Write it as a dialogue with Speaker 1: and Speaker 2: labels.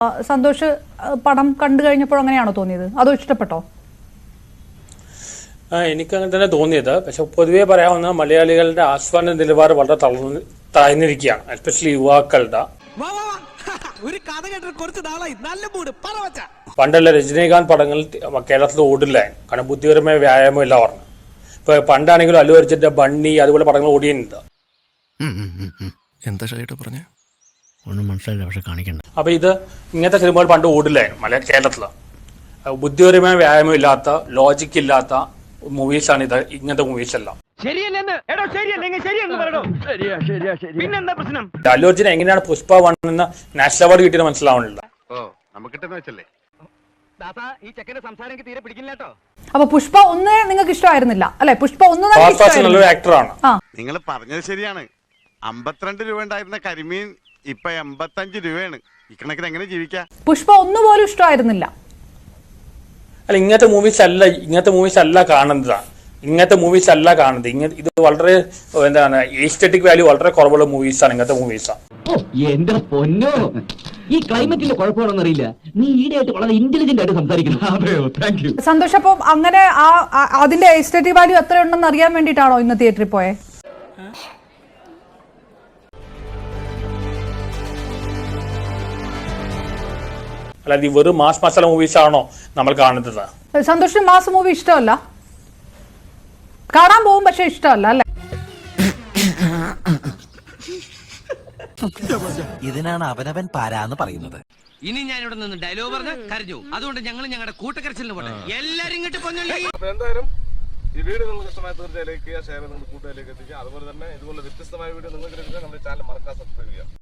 Speaker 1: സന്തോഷ് പടം കണ്ടു കഴിഞ്ഞപ്പോൾ അങ്ങനെയാണോ തോന്നിയത്, അതോ ഇഷ്ടപ്പെട്ടോ?
Speaker 2: എനിക്ക് അങ്ങനെ തന്നെ തോന്നിയത്. പക്ഷെ പൊതുവേ പറയാവുന്ന മലയാളികളുടെ ആസ്വാദന നിലവാരം വളരെ താഴ്ന്നിരിക്കുകയാണ്, എസ്പെഷ്യലി യുവാക്കളുടെ. പണ്ടുള്ള രജനീകാന്ത് പടങ്ങൾ കേരളത്തിൽ ഓടില്ലായിരുന്നു, കാരണം ബുദ്ധിപരമായ വ്യായാമം ഇല്ല പറഞ്ഞു. ഇപ്പൊ പണ്ടാണെങ്കിലും അല്ലു അർജുന്റെ ബണ്ണി അതുപോലെ പടങ്ങൾ ഓടിയുണ്ട്. അപ്പൊ ഇത് ഇങ്ങനത്തെ സിനിമകൾ പണ്ട് ഓടില്ലായിരുന്നു കേരളത്തില്. ബുദ്ധിപരമായ വ്യായാമം ഇല്ലാത്ത, ലോജിക് ഇല്ലാത്ത മൂവീസാണ് ഇത്. ഇങ്ങനത്തെ മൂവീസ് എല്ലാം അല്ലു അർജുൻ എങ്ങനെയാണ് പുഷ്പ 1 എന്ന നാഷണൽ അവാർഡ് കിട്ടിയത് മനസ്സിലാവണില്ല.
Speaker 1: അപ്പൊ പുഷ്പ 1 നിങ്ങൾക്ക് ഇഷ്ടമായിരുന്നില്ല അല്ലെ? പുഷ്പ 1
Speaker 2: നല്ലൊരു ആക്ടറാണ്.
Speaker 3: നിങ്ങൾ പറഞ്ഞത് ശരിയാണ്. 52 രൂപ ഉണ്ടായിരുന്ന കരിമീൻ ഇപ്പൊ 85 രൂപയാണ്. ഇക്കണക്കിന് എങ്ങനെ ജീവിക്കാം?
Speaker 1: പുഷ്പ 1 പോലും ഇഷ്ടമായിരുന്നില്ല.
Speaker 2: അല്ല, ഇങ്ങനത്തെ മൂവീസ് അല്ല കാണുന്നത്. ഇത് വളരെ എന്താണ്, എസ്തെറ്റിക് വാല്യൂ വളരെ കുറവുള്ള മൂവീസാണ് ഇങ്ങനത്തെ മൂവീസാണ്.
Speaker 4: എന്റെ പൊന്നോ, ഈ ക്ലൈമറ്റിന്റെ കുഴപ്പമാണെന്ന് അറിയില്ല. നീ ഈടെയായിട്ട് വളരെ ഇന്റലിജന്റ് ആയിട്ട് സംസാരിക്കുന്നു.
Speaker 1: സന്തോഷം, അപ്പം അങ്ങനെ അതിന്റെ എസ്തെറ്റിക് വാല്യൂ എത്ര ഉണ്ടെന്ന് അറിയാൻ വേണ്ടിയിട്ടാണോ ഇന്ന് തിയേറ്ററിൽ പോയെ?
Speaker 2: അല്ലാതെ ഈ വെറും മാസ് മസാല മൂവീസ് ആണോ നമ്മൾ കാണുന്നത്?
Speaker 1: സന്തോഷിന് മാസ് മൂവി ഇഷ്ടമല്ല, കാണാൻ പോകും പക്ഷെ ഇഷ്ടമല്ല അല്ലെ?
Speaker 5: ഇതിനാണ് അവനവൻ പാരാന്ന് പറയുന്നത്.
Speaker 6: ഇനി ഞാൻ ഇവിടെ നിന്ന് ഡയലോഗ് പറഞ്ഞ കരഞ്ഞു. അതുകൊണ്ട് ഞങ്ങൾ ഞങ്ങളുടെ കൂട്ടക്കരച്ചിലിന് പോട്ടെ. എല്ലാരും ഇങ്ങോട്ട്
Speaker 7: എന്തായാലും ഈ വീഡിയോ നിങ്ങൾക്ക് ഇഷ്ടമായ തീർച്ചയായും ലൈക്ക് ചെയ്യുക, ഷെയർ ചെയ്യുക, കൂട്ടുകാരിലേക്ക് എത്തിക്കുക. അതുപോലെ തന്നെ ഇതുപോലെ വ്യത്യസ്തമായ വീഡിയോ നിങ്ങൾക്ക് നമ്മുടെ ചാനൽ മറക്കാൻ സബ്സ്ക്രൈബ് ചെയ്യുക.